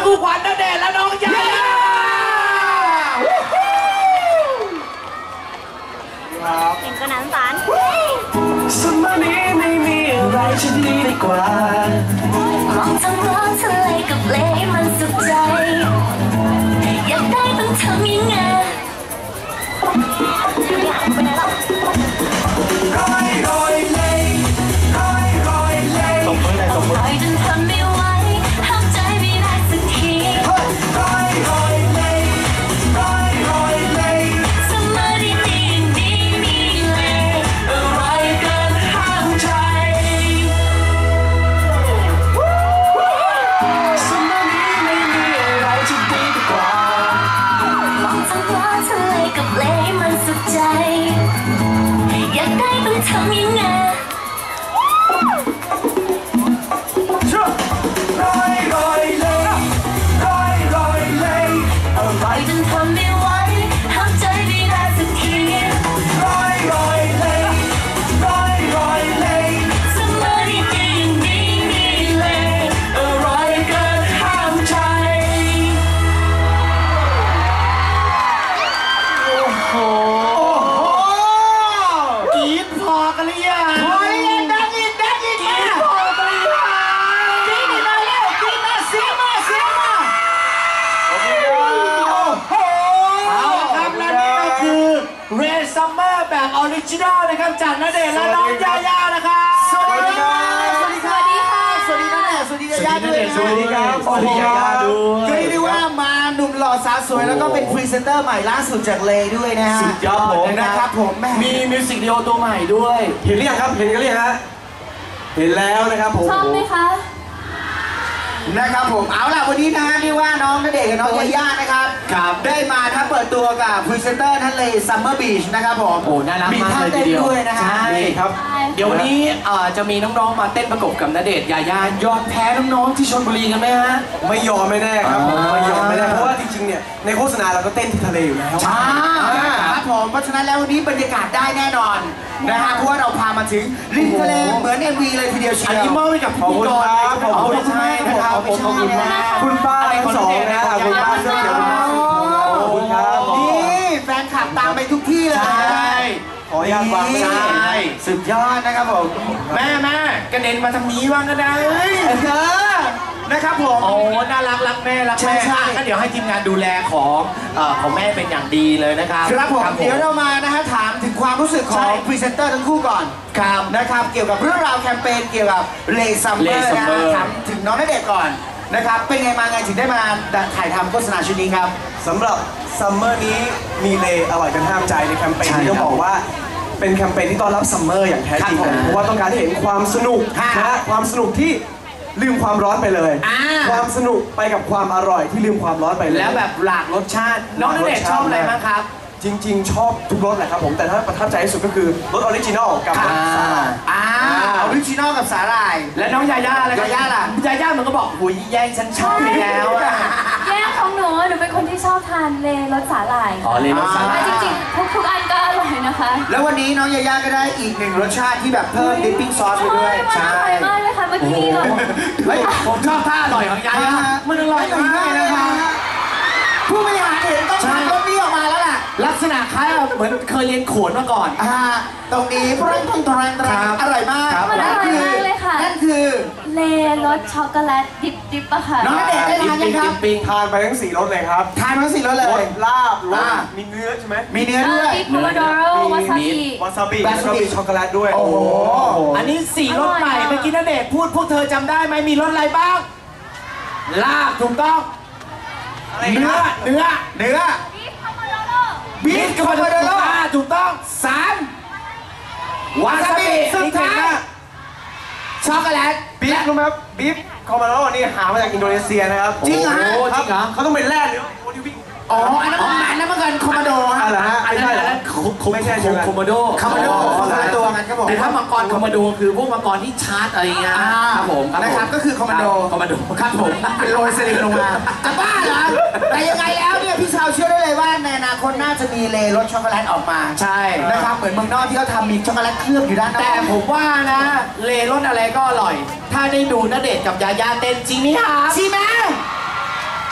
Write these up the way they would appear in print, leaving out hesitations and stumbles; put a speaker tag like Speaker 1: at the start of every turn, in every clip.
Speaker 1: คู่ขวัญณเดชน์และน้องยาย่า
Speaker 2: เห็นก็น้ำตาล
Speaker 3: สมัยนี้ไม่มีอะไรจะดีกว่ามองท้องร้องทะเลกับเลมันสุขใจอยากได้ต้องทำยังไงอยากไปไหนหรอร้อยเลยร้อยเลยตบมือเลยตบมือจนทนไม่ไหวห้ามใจไม่ได้สักทีร้อยเลยร้อยเลยสมัยนี้ดีมีเลยอะไรกันห้ามใจสมัยนี้ไม่มีอะไรจะดีกว่ามองท้องฟ้าทะเลกับเลมันสุขใจอยากได้ต้องทำยังไงจนทนไม่ไหวห้ามใจไม่ได้สักทีร้อยเลยสมัยนี้ยังดีมีเลยอะไรกันห้ามใจ
Speaker 1: โอ้โหกรี๊ดพอกันหรือยังพอหรือยังดังอีกกรี๊ดพอกันหรือยังกรี๊ดอีกมาแล้วกรี๊ดมาเสียงมาโอ้โหเอาละครับและนี่ก็คือเรย์ซัมเมอร์แบบออริจินอลนะครับจากณเดชน์และน้องยาย่านะครับ
Speaker 2: สวัสดีค่ะ
Speaker 1: สวัสดีณเดชน์สวัสดียาย่าด้วย
Speaker 4: สวัสดีครับสวัสดียาย่าด้วย
Speaker 1: ก็เรียกได้ว่ามาหนุ่มหล่อสาวสวยแล้วก็เป็นพรีเซนเตอร์ใหม่ล่าสุดจากเลด้วยนะฮะ
Speaker 4: สุดยอด
Speaker 1: นะครับผม
Speaker 4: มีมิวสิกวิดีโอตัวใหม่ด้วยเห็นหรือยังครับเห็นกันหรือยังฮะเห็นแล้วนะครับผม
Speaker 2: ชอบไหมคะ
Speaker 1: นะครับผมเอาล่ะวันนี้นะฮะเรียกว่าน้องณเดชน์กับน้องยาย่านะครับได้มาถ้าเปิดตัวกับพรีเซนเตอร์ทะเลซัมเมอร์บีชนะครับผม
Speaker 4: โอ้น่ารักมากเลยทีเดียว
Speaker 1: ด้วยนะฮะ
Speaker 4: ใช่ครับ
Speaker 1: เดี๋ยววันนี้จะมีน้องๆมาเต้นประกบกับณเดชน์ยาย่ายอมแพ้น้องๆที่ชลบุรีกันไหมฮะ
Speaker 4: ไม่ยอมไม่แน่ครับไม่ยอมไม่แน่เพราะว่าจริงๆเนี่ยในโฆษณาเราก็เต้นที่ทะเลอยู่แล้ว
Speaker 1: ใช่ครับผมเพราะฉะนั้นแล้ววันนี้บรรยากาศได้แน่นอนนะฮะเพราะว่าเราพามาถึงริมทะเลเหมือน MV เลยทีเดียวเชียวอันนี้มอบให้กับพิธีกร
Speaker 4: ขอบคุณ
Speaker 1: ใช่นะครับขอบคุณมาก
Speaker 4: คุณป้าทั้งสองนะคุณป้าเสื้อเขียวขอบคุณครับ
Speaker 1: นี่แฟนคลับตามไปทุกที่เลย
Speaker 4: ขออนุญาตวางไม่ได้
Speaker 1: สุดยอดนะครับผมแม่กระเด็นมาทางนี้ว่างก็ได้นะครับผมโอ้น่ารักแม่ใช่ก็เดี๋ยวให้ทีมงานดูแลของแม่เป็นอย่างดีเลยนะครับครับผมเดี๋ยวเรามานะฮะถามถึงความรู้สึกของพรีเซนเตอร์ทั้งคู่ก่อนครับนะครับเกี่ยวกับเรื่องราวแคมเปญเกี่ยวกับเลซัมเมอร์นะถามถึงน้องณเดชน์ก่อนนะครับเป็นไงมาไงถึงได้มาถ่ายทำโฆษณาชุดนี้ครับ
Speaker 4: สำหรับซัมเมอร์นี้มีเลอร่อยกันห้ามใจในแคมเปญที่ต้องบอกว่าเป็นแคมเปญที่ต้อนรับซัมเมอร์อย่างแท้จริงเพราะว่าต้องการให้เห็นความสนุกนะความสนุกที่ลืมความร้อนไปเลยความสนุกไปกับความอร่อยที่ลืมความร้อนไปเลย
Speaker 1: แล้วแบบหลากรสชาติน้องณเดชน์ชอบอะไรบ้างครับ
Speaker 4: จริงๆชอบทุกรสแหละครับผมแต่ถ้าประทับใจที่สุดก็คือรสออริจินอลกับรสสาหร่าย
Speaker 1: ออริจินอลกับสาหร่ายและน้องยาย่าอะไรยาย่าล่ะยาย่ามันก็บอกหุยแย่งฉันชอบไปแล้ว
Speaker 2: แย่งของหนูเป็นคนที่ชอบทานเลรสสาหร่าย
Speaker 1: เลรสสาหร่าย
Speaker 2: จริงๆทุกอันก็อร่อยนะคะ
Speaker 1: แล้ววันนี้น้องยาย่าก็ได้อีกหนึ่งรสชาติที่แบบเพิ่มดิปปิ้งซอสไปด้วย
Speaker 2: ใช่มากเลยค่ะเมื่อกี้เลย
Speaker 1: ผมชอบท่าอร่อยของยาย่ามันอร่อยมากนะคะผู้บริหารเห็นต้องทำรสนี้ออกมาแล้วล่ะลักษณะคล้ายเหมือนเคยเรียนโขนมาก่อนตรงนี้พรังตรงอร่อยมาก
Speaker 2: มันอร่อยมากเลยค่ะ
Speaker 1: นั่นคือ
Speaker 2: เลรสช็อกโกแลตดิบอะค่ะ
Speaker 1: น้องณเดชน์ได้ทานยังครับ
Speaker 4: ทานไปทั้ง4รสเลยครับ
Speaker 1: ทานทั้ง4รสเลย
Speaker 4: ลาบมีเนื้อใช่ไหม
Speaker 1: มีเนื้อด้วย
Speaker 2: มีโพโมโดโรวาซาบิ
Speaker 4: แล้วก็มีช็อกโกแลตด้วย
Speaker 1: โอ้โหอันนี้4รสใหม่เมื่อกี้ณเดชน์พูดพวกเธอจำได้ไหมมีรสอะไรบ้างลาบถูกต้องเนื้อบีฟคอมโบโดโร่ถูกต้อง3วาซาบิสุดท้ายช็อกโกแลต
Speaker 4: บีฟรู้ไหมครับบีฟคอมโบโดโร่นี่หามาจากอินโดนีเซียนะครับ
Speaker 1: จริงเหรอ
Speaker 4: เขาต้องเป็นแร่หรือ
Speaker 1: อันนั้นมันเกินคอมโบโด
Speaker 4: อะไรฮะ
Speaker 1: ไม่ใช่
Speaker 4: ไม่ใช่
Speaker 1: คอมโบโดคนละตัวกันครับผมแต่ถ้ามังกรคอมโบโดคือพวกมังกรที่ชาร์จอะไรเงี้ยครับผมนะครับก็คือคอมโบโดครับผมเป็นโรยสลิงลงมาจะบ้าเหรอแต่ยังไงแล้วเนี่ยพี่ชาวเชื่อได้เลยว่าในอนาคตน่าจะมีเลรสช็อกโกแลตออกมาใช่นะครับเหมือนเมืองนอกที่เขาทำมีช็อกโกแลตเคลือบอยู่ด้านนอกแต่ผมว่านะเลรสอะไรก็อร่อยถ้าได้ดูณเดชน์กับยาย่าเต้นจริงไหมครับจริงไหม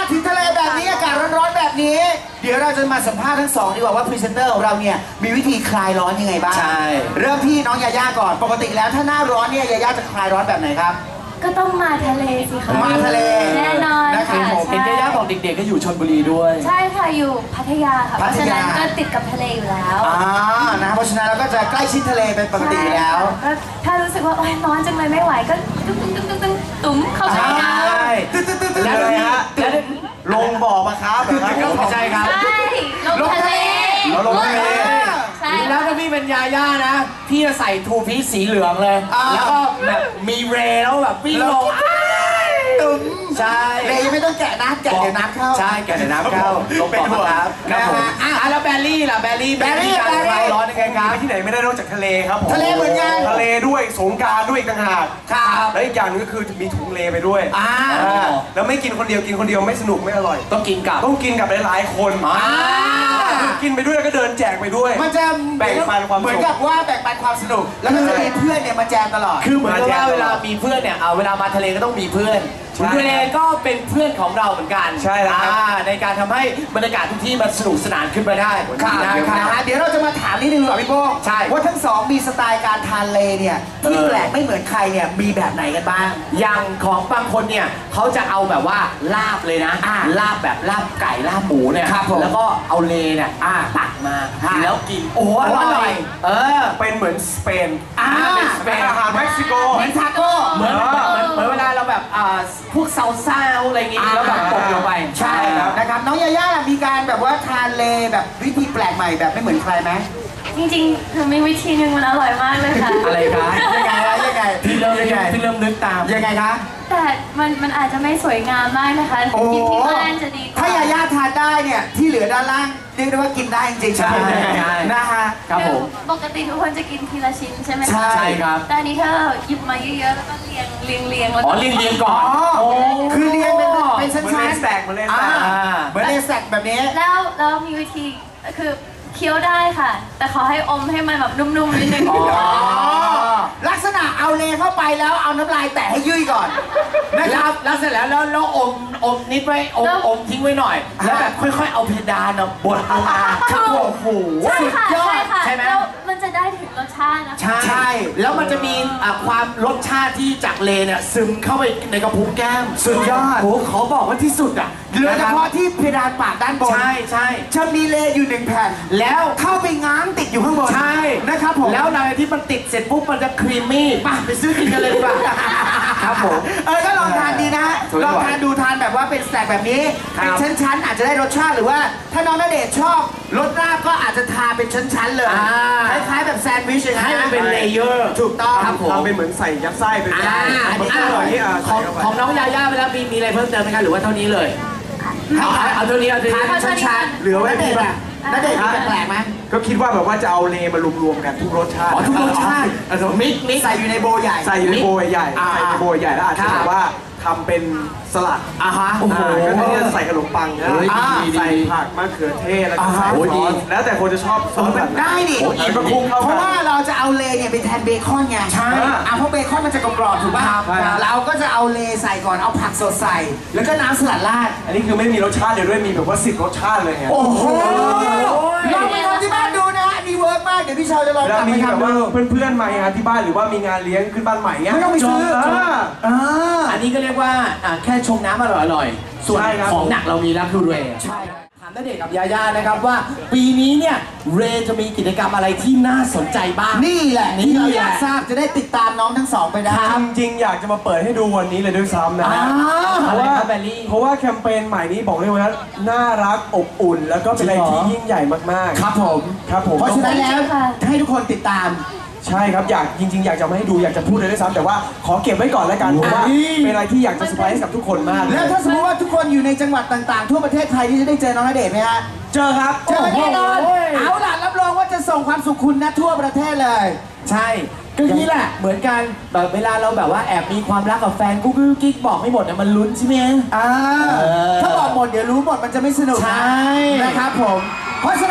Speaker 5: ถึงทะเลแบบนี้อากาศร้อนๆแบบนี้ เดี๋ยวเราจะมาสัมภาษณ์ทั้งสองดีกว่าว่าพรีเซนเตอร์ของเราเนี่ยมีวิธีคลายร้อนยังไงบ้าง
Speaker 1: ใช่
Speaker 5: เริ่มที่น้องยาย่าก่อนปกติแล้วถ้าหน้าร้อนเนี่ยยาย่าจะคลายร้อนแบบไหนครับ
Speaker 2: ก็ต้องมาทะเลสิคะ
Speaker 5: มาทะเล
Speaker 2: แน่นอน
Speaker 5: นะครับ
Speaker 2: ค่ะ
Speaker 5: ผม
Speaker 1: เห็นยาย่าบอกเด็กๆก็อยู่ชลบุรีด้วย
Speaker 2: ใช่ค่ะอยู่พัทยาค่ะเพ
Speaker 5: พั
Speaker 2: ราะ
Speaker 5: ท
Speaker 2: ฉะ
Speaker 5: ยา
Speaker 2: นั้นก็ติดกับทะเลอยู่แล้ว
Speaker 5: นะครับเพราะฉะนั้นเราก็จะใกล้ชิดทะเลเป็นปกติอยู่แล้ว
Speaker 2: ใช่ค่ะก็ถ้ารู้สึกว่าโอ๊ยร้อนจังเลยไม่ไหวก็ตุ้มตุ้มตุ้มตุ้มตุ้มตุ้มเข้าไปน้
Speaker 5: ตึ๊ดๆๆๆ
Speaker 1: แล้ว
Speaker 5: เลยฮะ
Speaker 1: แล้ว
Speaker 4: ลงบ่อมาครับแบบนั้น
Speaker 1: ไม่ใช่ครับ
Speaker 2: ำใช่ลงทะเล
Speaker 4: เราลงทะเล
Speaker 2: ใช่
Speaker 1: แล้วถ้าพี่เป็นยาย่านะ พี่จะใส่ทูพีซสีเหลืองเลย แล้วก็แบบมีเรย์แล้วแบบวิ่งลง
Speaker 5: ตึ้ม
Speaker 1: ใช่
Speaker 5: เลยยังไม่ต้องแกะน้ำแกะเดี๋ยวน้ำเข้า
Speaker 1: ใช่แกะในน้ำเข้าลง
Speaker 5: เป็นห่วง
Speaker 1: ครับครับผม
Speaker 5: นะฮะ
Speaker 1: แล้วแบลลี่ล่ะแบลลี่
Speaker 5: แบลลี่
Speaker 1: การคลายร้อนยังไงครับ
Speaker 4: ไปที่ไหนไม่ได้นอกจากทะเลครับผม
Speaker 5: ทะเลเหมือนกัน
Speaker 4: ทะเลด้วยสงกรานต์ด้วยอีกต่างหาก
Speaker 5: ครับ
Speaker 4: และอีกอย่างหนึงก็คือมีถุงเลไปด้วย แล้วไม่กินคนเดียวกินคนเดียวไม่สนุกไม่อร่อย
Speaker 1: ต้องกินกับ
Speaker 4: ต้องกินกับหลายๆคน กินไปด้วยแล้วก็เดินแจกไปด้วย
Speaker 5: มันจะ
Speaker 4: แบ่งปันความสุข
Speaker 5: เหมือนกับว่าแบ่งปันความสนุก แล้วก็จะมีเพื่อนเนี่ยมาแจมตลอด
Speaker 1: คือเหมือนกับว่าเวลามีเพื่อนเนี่ยเวลามาทะเลก็ต้องมีเพื่อน
Speaker 4: ใช่
Speaker 1: ทะเลก็เป็นเพื่อนของเราเหมือนกัน
Speaker 4: ใช่แล้วครับ
Speaker 1: ในการทำให้บรรยากาศทุกที่มันสนุกสนานขึ้นมาได้
Speaker 5: ครับ
Speaker 1: นะครับ
Speaker 5: เดี๋ยวเราจะมาถามนิดนึงดีกว่าพี่โป้ง
Speaker 1: ใช่
Speaker 5: ว่าทั้งสองมีสไตล์การทานเลเนี่ยที่แปลกไม่เหมือนใครเนี่ยมีแบบไหนกันบ้าง
Speaker 1: อย่างของบางคนเนี่ยเขาจะเอาแบบว่าลาบเลยนะ ลาบแบบลาบไก่ลาบหมูเนี่ย
Speaker 5: ครับผม
Speaker 1: แล้วก็เอาเลเนี่ยตักมา แล้วกินโอ้โหอร่อย
Speaker 4: เป็นเหมือนสเปน
Speaker 1: เป็นสเปน
Speaker 4: อาหารเม็กซิโก
Speaker 5: เหมือนทาโก้
Speaker 1: เหมือนเวลาเราแบบพวกซาลซ่าอะไรอย่างงี้แล้วแบบตกลงไป
Speaker 5: ใช่ครับนะครับน้องยาย่าล่ะมีการแบบว่าทานเลแบบวิธีแปลกใหม่แบบไม่เหมือนใครไหม
Speaker 2: จริงๆหนูมีวิธีหนึ่งมันอร่อยมากเลยค่ะ
Speaker 1: อะไรคะ
Speaker 5: ยังไงนะยังไง
Speaker 1: พี่เริ่มนึกตาม
Speaker 5: ยังไงคะ
Speaker 2: แต่มันอาจจะไม่สวยงามมากนะคะ
Speaker 5: โอ้
Speaker 2: กินที่บ้านจะดีกว่า
Speaker 5: ถ้ายาย่าทานได้เนี่ยที่เหลือด้านล่างเรียกได้ว่ากินได้จริงๆ
Speaker 1: ใช่
Speaker 5: นะฮะ
Speaker 1: ครับผม
Speaker 2: ปกติทุกคนจะกินทีละชิ้นใช่ไหมคะ
Speaker 5: ใช่
Speaker 1: ครับ
Speaker 2: แต่อันนี้ถ้าเราหยิบมาเยอะๆแล้วก็เรียงแล้ว
Speaker 1: อ๋
Speaker 2: ก็
Speaker 1: อเรียงก่อน
Speaker 5: คือเรียงเป็นชั้น
Speaker 4: เหมือน
Speaker 5: ๆ
Speaker 4: เลสแตกเหมือนเลสแตก
Speaker 5: เหมือนเลสแตกแบบนี้
Speaker 2: แล้วมีวิธีคือเคี้ยวได้ค่ะ แต่ขอให้อมให้มันแบบนุ่มๆนิดนึง
Speaker 5: ลักษณะเอาเลเข้าไปแล้วเอาน้ำลายแตะให้ยุ่ยก่อนนะครับ
Speaker 1: แล้วเสร็จแล้วอมนิดไว้อมทิ้งไว้หน่อย แล้วแบบค่อยๆเอาเพดานบดลงมาครับผมโอ้โห
Speaker 2: ใช่ค่ะ
Speaker 5: สุดยอด
Speaker 2: ใช่ค่ะ
Speaker 1: ใช่ไหม
Speaker 2: แล้วมันจะได้ถึงรสชาตินะคะ
Speaker 1: ใช่ แล้วมันจะมีความรสชาติที่จากเลเนี่ยซึมเข้าไปในกระพุ้งแก้ม
Speaker 5: สุดยอด
Speaker 1: โอ้โหขอบอกว่าที่สุดอ่ะ
Speaker 5: เหลือเฉพาะที่เพดานปากด้านบน
Speaker 1: ใช่
Speaker 5: จะมีเลอยู่1แผ่น
Speaker 1: แล้ว
Speaker 5: เข้าไปง้างติดอยู่ข้างบน
Speaker 1: ใช่
Speaker 5: นะครับผม
Speaker 1: แล้วในที่มันติดเสร็จปุ๊บมันจะครีมมี่ไปซื้อกินกันเลยดีกว่าครับผม
Speaker 5: ก็ลองทานดีนะ
Speaker 1: สวยๆ
Speaker 5: ลองทานดูทานแบบว่าเป็นสแต็กแบบนี้
Speaker 1: ครับ
Speaker 5: เป็นชั้นๆอาจจะได้รสชาติหรือว่า ถ้าน้องณเดชน์ชอบรสราบก็อาจจะทาเป็นชั้นๆเลยคล้ายๆแบบแซนด์วิชอย่าง
Speaker 1: ให้
Speaker 5: นั้น
Speaker 1: มันเป็นเลเยอร์
Speaker 5: ถูกต้อง
Speaker 1: ครับผม
Speaker 4: ทำเป็นเหมือนใส่ยัดไส้ไปด้วย
Speaker 5: อันนี้
Speaker 4: อร่อยนี่
Speaker 1: ของน้องยาย่าไปแล้วมีอะไรเพิ่มเติมไหมคะหรือว่าเท่านี้เลยเอาเท่านี้
Speaker 5: ทานเป็นชั้นๆเหลือไว้ดีป่ะณเดชน์มีแปลกๆไหม
Speaker 4: ก็คิดว่าแบบว่าจะเอาเลมารวมๆกันทุกรสชาติ
Speaker 1: ทุกรสชาติมิก
Speaker 5: ใส่อยู่ในโบว์ใหญ่
Speaker 4: ใส่อยู่ในโบยใหญ่ใส่ในโบยใหญ่แล้วอาจจะแบบว่าทำเป็นสลัด
Speaker 5: โอ้โห
Speaker 4: ก็จะใส่ขนมปังนะ
Speaker 1: เฮ้ยดี
Speaker 4: ใส่ผักมะเขือเทศแล้วก็ใส่
Speaker 1: โอ้
Speaker 4: ซ
Speaker 1: ดี
Speaker 4: อสแล้วแต่คนจะชอบซอสแบบไหน
Speaker 5: ได้ดิ
Speaker 4: แล้วก็คลุกเข้า
Speaker 5: เพ
Speaker 4: กั
Speaker 5: ราะ
Speaker 4: น
Speaker 5: ว่าเราจะเอาเลเนี่ยไปแทนเบคอนไง
Speaker 4: ใช่
Speaker 5: เพราะเบคอนมันจะกรอบๆถูกป่ะ
Speaker 4: ครับ
Speaker 5: เราก็จะเอาเลใส่ก่อนเอาผักสดใส่ แล้วก็น้ำสลัดราด
Speaker 4: อันนี้คือไม่มีรสชาติเดียวด้วยมีแบบว่า10 รสชาติเลยไง
Speaker 5: โอ้โหลองไปทำที่บ้านดูนะอันนี้เวิร์กมากเดี๋ยวพี่เชาจะลอง
Speaker 4: แล้ว
Speaker 5: กลับ
Speaker 4: มี
Speaker 5: ไป
Speaker 4: แบบ
Speaker 5: ทำ
Speaker 4: ว่า
Speaker 5: ดู
Speaker 4: เพื่อนๆมาที่บ้านหรือว่ามีงานเลี้ยงขึ้นบ้านใหม่เงี้ย
Speaker 5: ไม่ต้องไปซื้อ
Speaker 1: อันนี้ก็เรียกว่าแค่ชงน้ำอร่อยๆส่วน
Speaker 4: ใช่ครับ
Speaker 1: ของหนักเรามีแล้วคือเรย์ถามณเดชน์กับยาย่านะครับว่าปีนี้เนี่ยเรย์จะมีกิจกรรมอะไรที่น่าสนใจบ้าง
Speaker 5: นี่แหละที่เราอยากทราบจะได้ติดตามน้องทั้งสองไปได้
Speaker 4: จริงๆอยากจะมาเปิดให้ดูวันนี้เลยด้วยซ้ำนะฮะ เพ
Speaker 1: อะไร
Speaker 4: ราะว่า
Speaker 1: ครับแบลลี่
Speaker 4: เพราะว่าแคมเปญใหม่นี้บอกเลยว่าน่ารักอบอุ่น แล้วก็เป็นอะไรที่ยิ่งใหญ่มากๆ
Speaker 5: ครับผม
Speaker 4: ครับผม
Speaker 5: เพราะฉะนั้นแล้วให้ทุกคนติดตาม
Speaker 4: ใช่ครับจริงๆอยากจะมาให้ดูอยากจะพูดเลยด้วยซ้ำแต่ว่าขอเก็บไว้ก่อนแล้วกันเพราะว่าเป็นอะไรที่อยากจะเซอร์ไพรส์กับทุกคนมาก
Speaker 5: แล้วถ้าสมมติว่าทุกคนอยู่ในจังหวัดต่างๆ ทั่วประเทศไทยที่จะได้เจอน้องณเดชน์ไหมฮะ
Speaker 4: เจอครับ
Speaker 5: เจอแน่นอน
Speaker 1: โอ้โห
Speaker 5: เอาล่ะรับรองว่าจะส่งความสุขคุณนะทั่วประเทศเลย
Speaker 1: ใช่ก็นี่แหละเหมือนกันแบบเวลาเราแบบว่าแอบมีความรักกับแฟนกุ๊กกิ๊กบอกไม่หมดเนี่ยมันลุ้นใช่ไหม
Speaker 5: ถ้าบอกหมดเดี๋ยวรู้หมดมันจะไม่สนุก
Speaker 1: ใช่
Speaker 5: นะครับผม เพราะฉะนั้นแล้ว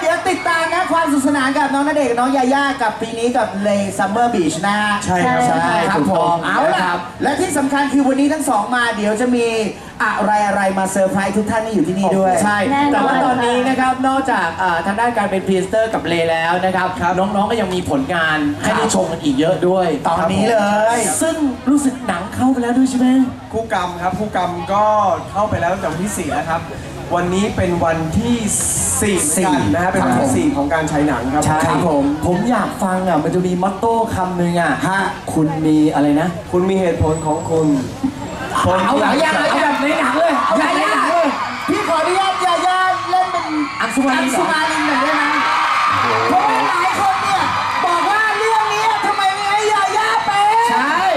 Speaker 5: เดี๋ยวติดตามนะความสนุกสนานกับน้องณเดชน์กับน้องยาย่ากับปีนี้กับเลซัมเมอร์บีชนะฮะ
Speaker 4: ใช่ครับ
Speaker 5: ใช่ครับผมเอาล่ะและที่สำคัญคือวันนี้ทั้งสองมาเดี๋ยวจะมีอะไรมาเซอร์ไพรส์ทุกท่านที่อยู่ที่นี่ด้วย
Speaker 1: ใช่ แต่ว่าตอนนี้นะครับนอกจากทางด้านการเป็นพรีเซนเตอร์กับเลแล้วนะครับน้องๆก็ยังมีผลงานให้ได้ชมกันอีกเยอะด้วย
Speaker 5: ตอนนี้เลย
Speaker 1: ซึ่งรู้สึกหนังเข้าไปแล้วด้วยใช่ไหม
Speaker 4: คู่กรรมครับคู่กรรมก็เข้าไปแล้วตั้งแต่วันที่4แล้วครับวันนี้เป็นวันที่4กันนะฮะเป็นวันที่4ของการฉายหนังครับ
Speaker 1: ใช่ผมอยากฟังอ่ะมันจะมีมอตโต้คำหนึ่งอ่ะคุณมีอะไรนะ
Speaker 4: คุณมีเหตุผลของคุณ
Speaker 1: เอาแบบในหนังเลยเอาแบบในหนังเลย
Speaker 5: พี่ขออนุญาตยาย่าเล่นเป็น
Speaker 1: อังสุมารินเหรอ
Speaker 5: หน่อยได้ไหมเพราะว่าหลายคนเนี่ยบอกว่าเรื่องนี้ทำไมไม่ให้ยาย่าเป็น
Speaker 1: ใช่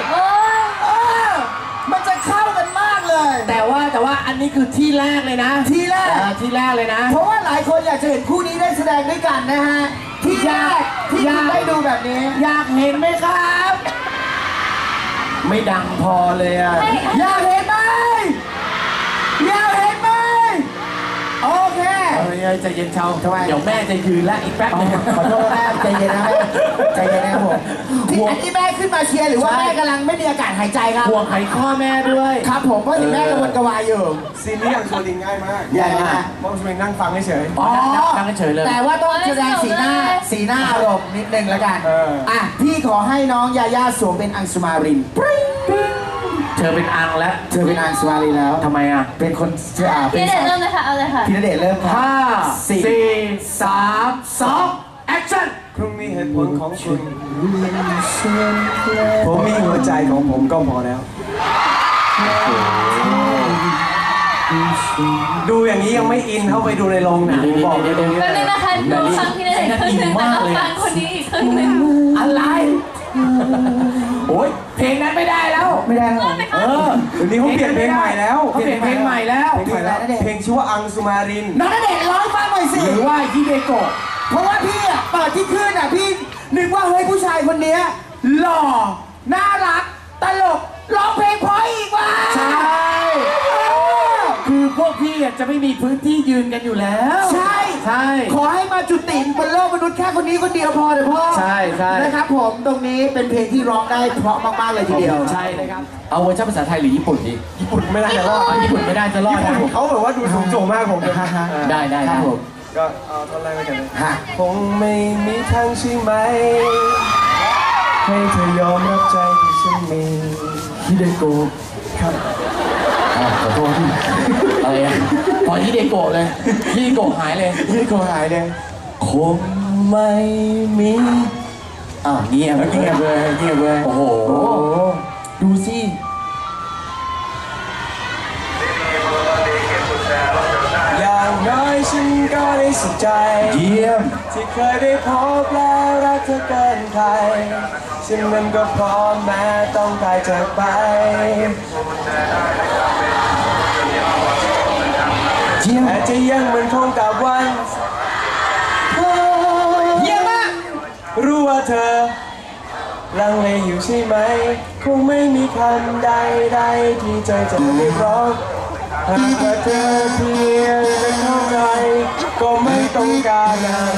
Speaker 5: มันจะเข้ากันมากเลย
Speaker 1: แต่ว่าอันนี้คือที่แรกเลยนะ
Speaker 5: ที่แรก
Speaker 1: ที่แรกเลยนะ
Speaker 5: เพราะว่าหลายคนอยากจะเห็นคู่นี้ได้แสดงด้วยกันนะฮะ ที่แรกที่คุณได้ดูแบบนี้
Speaker 1: อยากเห็นไหมครับ ไม่ดังพอเลยอ่ะ
Speaker 5: อยากเห็นไหมอยากเห็นไหมโอเค
Speaker 1: ใจเย็นเชาเดี๋ยวแม่จะยืนแล้วอีกแป๊บนึง
Speaker 5: ขอโทษแม่ใจเย็นนะแม่ใจเย็นนะครับผมที่อันนี้แม่ขึ้นมาเชียร์หรือว่าแม่กำลังไม่มีอากาศหายใจครับ
Speaker 1: ห่วงไขข้อแม่ด้วย
Speaker 5: ครับผมเพราะเห็นแม่กระวนกระวายอยู่
Speaker 4: ซีนนี้อย่างโชว์ลิงง่ายมาก
Speaker 5: ใหญ่มาก
Speaker 4: มองสมิงนั่งฟังเฉย
Speaker 5: อ๋อ
Speaker 1: นั่งเฉยเลย
Speaker 5: แต่ว่าต้องแสดงสีหน้าอารมณ์นิดนึงแล้วกันอ่ะพี่ขอให้น้องยาย่าสวมเป็นอังสุมาริน
Speaker 1: เธอเป็นอังแล้ว
Speaker 5: เธอเป็นอังสุมารินแล้ว
Speaker 1: ทำไมอ่ะ
Speaker 5: เป็นคนเป็
Speaker 2: พี่
Speaker 5: น
Speaker 2: ณเดชน์เริ่มเลยค่ะ เอาเลยค่ะ
Speaker 5: พี่ณเดชน์เริ่มครับ
Speaker 1: 5 4 3 2 action
Speaker 4: ๆคุณมีเหตุผลของคุณผมมีหัวใจของผมก็พอแล้ว ดูอย่างนี้ยังไม่อินเข้าไปดูในโรงหนังบอกเลย
Speaker 2: แป๊บนึงนะคะดูฟังพี่ณเดชน์ครึ่งหนึ่งแล้วก็ฟังคนนี้อีกครึ่งหนึ่ง
Speaker 1: อะไร โอ้ยเพลงนั้นไม่ได้แล้ว
Speaker 5: ไม่ได้หรอ
Speaker 1: เออ
Speaker 4: เดี๋ยวนี้เขาเปลี่ยนเพลงใหม่แล้ว
Speaker 1: เขาเปลี่ยนเพลงใหม่แล้ว
Speaker 4: เพลงชื่อว่าอังสุมาริน
Speaker 5: น้องณเดชน์ร้องฟังหน่อยสิ
Speaker 1: หรือว่าฮิเดโกะ
Speaker 5: เพราะว่าพี่อ่ะเปิดที่ขึ้นอ่ะพี่นึกว่าเฮ้ยผู้ชายคนเนี้ยหล่อน่ารักตลกร้องเพลงเพราะอีกว่ะ
Speaker 1: ใช่ คือพวกพี่อ่ะจะไม่มีพื้นที่ยืนกันอยู่แล้ว
Speaker 5: ใช่
Speaker 1: ใช่
Speaker 5: ขอให้มาจุติบนโลกมนุษย์แค่คนนี้คนเดียวพอเถอะพ่อ
Speaker 1: ใช่ใช่
Speaker 5: นะครับผมตรงนี้เป็นเพลงที่ร้องได้เพราะมากๆเลยทีเดียว
Speaker 1: ใช่นะครับ เอาเวอร์ชันภาษาไทยหรือญี่ปุ่นดี
Speaker 4: ญี่ปุ่นไม่น่าจะรอด
Speaker 1: ญี่ปุ่นไม่ได้จะรอด
Speaker 4: ญี่
Speaker 1: นะ
Speaker 4: ปุ่นเขาแบบว่าดูสูงโจ่งมากผมเลย
Speaker 1: ได้ครับผม
Speaker 4: ก็เอาท่อนแรกไปกันเลย
Speaker 5: ฮะ
Speaker 4: คงไม่มีทางใช่ไหม ให้เธอยอมรับใจที่ฉันมี
Speaker 1: ฮิเดโกะ
Speaker 4: ครับ
Speaker 1: ขอโทษพี่อะไรอ่ะพอฮิเดโกะเลยฮิเดโกะหายเลย
Speaker 4: นี่ก็หายเลย
Speaker 1: คงไม่มีอ้าวเงียบ
Speaker 4: เงียบเลยเงียบเลย
Speaker 1: โอ้โห ดูสิ
Speaker 4: อย่างน้อยฉันก็ได้สุขใจ
Speaker 1: เยี่ยม
Speaker 4: ที่เคยได้พบแล้วรักเธอเกินใครฉันนั้นก็พร้อมแม้ต้องตายจากไป
Speaker 1: เยี่ยม
Speaker 4: แต่จะยังเหมือนคงกับวัน
Speaker 5: เยี่ยมมาก
Speaker 4: รู้ว่าเธอลังเลอยู่ใช่ไหม คงไม่มีคำใดๆที่ใจจะเรียกร้องหากว่าเธอเพียงจะเข้าใจก็ไม่ต้องการอะไร